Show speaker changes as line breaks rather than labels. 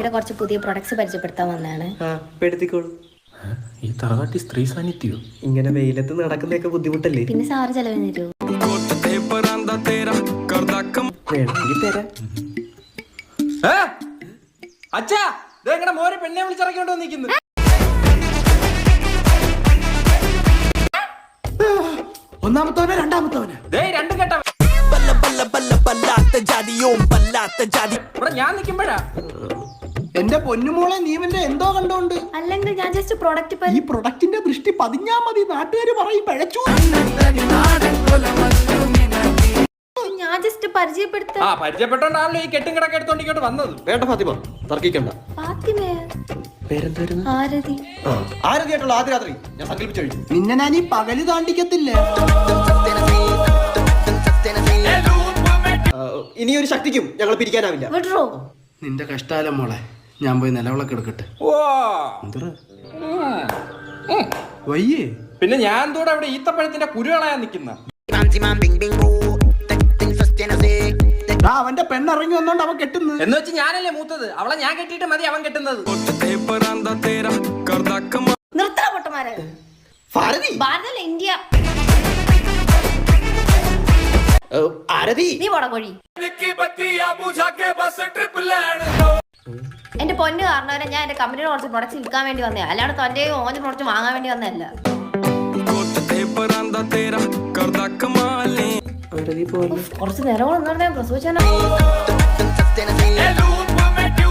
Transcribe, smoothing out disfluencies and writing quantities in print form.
ആരതിയുടെ കുറച്ച് പുതിയ പ്രൊഡക്ട്സ് പരിചയപ്പെടുത്താൻ വന്നതാണ്.
ഈ തറവാട്ടി സ്ത്രീ സാന്നിധ്യോ
ഇങ്ങനെ വെയിലത്ത് നടക്കുന്നതൊക്കെ ബുദ്ധിമുട്ടല്ലേ?
പിന്നെ സാറ് ചെലവിന് തരുമോ?
വേണമെങ്കിൽ തരാം.
അച്ഛാ മോരെ പെണ്ണെ വിളിച്ചിറക്കിയോണ്ടോ നിൽക്കുന്നു.
ഒന്നാമത്തവനെ രണ്ടാമത്തവനെ
രണ്ടും കേട്ട ഞാൻ നിൽക്കുമ്പോഴാ
എന്റെ പൊന്നുമോളെ നീ ഇവന്റെ എന്തോ കണ്ടോണ്ട്.
അല്ലെങ്കിൽ ഞാൻ ജസ്റ്റ് പ്രൊഡക്റ്റ്
ഈ പ്രൊഡക്റ്റിന്റെ ദൃഷ്ടി പതിഞ്ഞാ മതി, നാട്ടുകാര് പറയും പഴച്ചു.
ഞാൻ ജസ്റ്റ് പരിചയപ്പെടുത്ത
പരിചയപ്പെട്ടോണ്ടാണല്ലോ ഈ കെട്ടും കിടക്കെ എടുത്തോണ്ടിങ്ങോട്ട് വന്നത്.
വേണ്ട ഫാത്തിമ, തർക്കിക്കണ്ട. പേരെന്തായിരുന്നു?
ആരതി.
ആരതിയായിട്ടുള്ള ആദ്യ രാത്രി ഞാൻ സങ്കല്പിച്ചു കഴിഞ്ഞു. നിന്നെ ഞാൻ ഈ പകല് താണ്ടിക്കത്തില്ലേ. ഇനിയൊരു ശക്തിക്കും ഞങ്ങൾ പിരിക്കാനാവില്ല.
വിടറോ?
നിന്റെ കഷ്ടാലം മോളെ, ഞാൻ പോയി നിലവിളക്ക് എടുക്കട്ടെ. വയ്യേ
പിന്നെ ഞാൻ കൂടെ അവിടെ ഈത്തപ്പഴത്തിന്റെ കുരുകളായാ നിക്കുന്ന.
അവന്റെ പെണ്ണിറങ്ങി വന്നോണ്ട് അവൻ കെട്ടുന്നു
എന്ന് വെച്ച് ഞാനല്ലേ മൂത്തത്, അവളെ ഞാൻ കെട്ടിയിട്ട് മതി അവൻ കെട്ടുന്നത്.
നിർത്തണ പൊട്ടന്മാരെ. ഭാരതല്ല ഇന്ത്യ.
ആരതി
നീ പോടാ കോഴി. എന്റെ പൊന്ന് കാരണവരെ ഞാൻ എന്റെ കമ്പനിയുടെ കുറച്ച് പ്രൊഡക്ട്സ് വിൽക്കാൻ വേണ്ടി വന്നേ, അല്ലാണ്ട് തന്റെ ഓന്റെ പ്രൊഡക്റ്റ് വാങ്ങാൻ വേണ്ടി വന്നതല്ല. കുറച്ച് നേരം പ്രസവിച്ചാലോ.